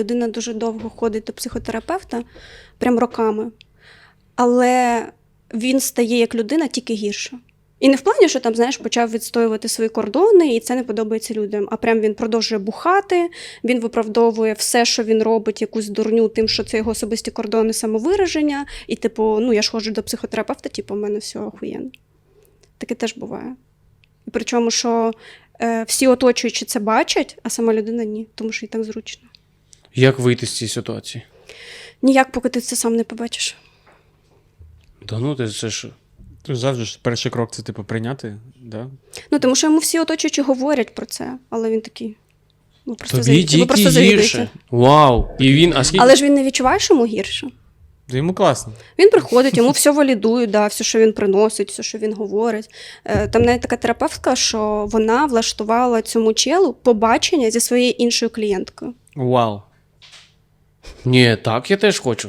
людина дуже довго ходить до психотерапевта, прям роками, але він стає як людина тільки гірше. І не в плані, що там, знаєш, почав відстоювати свої кордони, і це не подобається людям. А прям він продовжує бухати, він виправдовує все, що він робить, якусь дурню тим, що це його особисті кордони самовираження. І, типу, ну, я ж ходжу до психотерапевта, типу, в мене все охуєнно. Таке теж буває. І причому, що всі оточуючі це бачать, а сама людина ні, тому що їй так зручно. Як вийти з цієї ситуації? Ніяк, поки ти це сам не побачиш. Та ну, це ж... Тож завжди ж перший крок це типу прийняти, да? Ну, тому що йому всі оточуючі говорять про це, але він такий. Ви просто Тобі ви тільки просто гірше. завідуєте. Вау. І він, а скільки... Але ж він не відчуває, що йому гірше. То йому класно. Він приходить, йому все валідують, да, все, що він приносить, все, що він говорить. Там навіть така терапевтка, що вона влаштувала цьому челу побачення зі своєю іншою клієнткою. Вау. Ні, так, я теж хочу.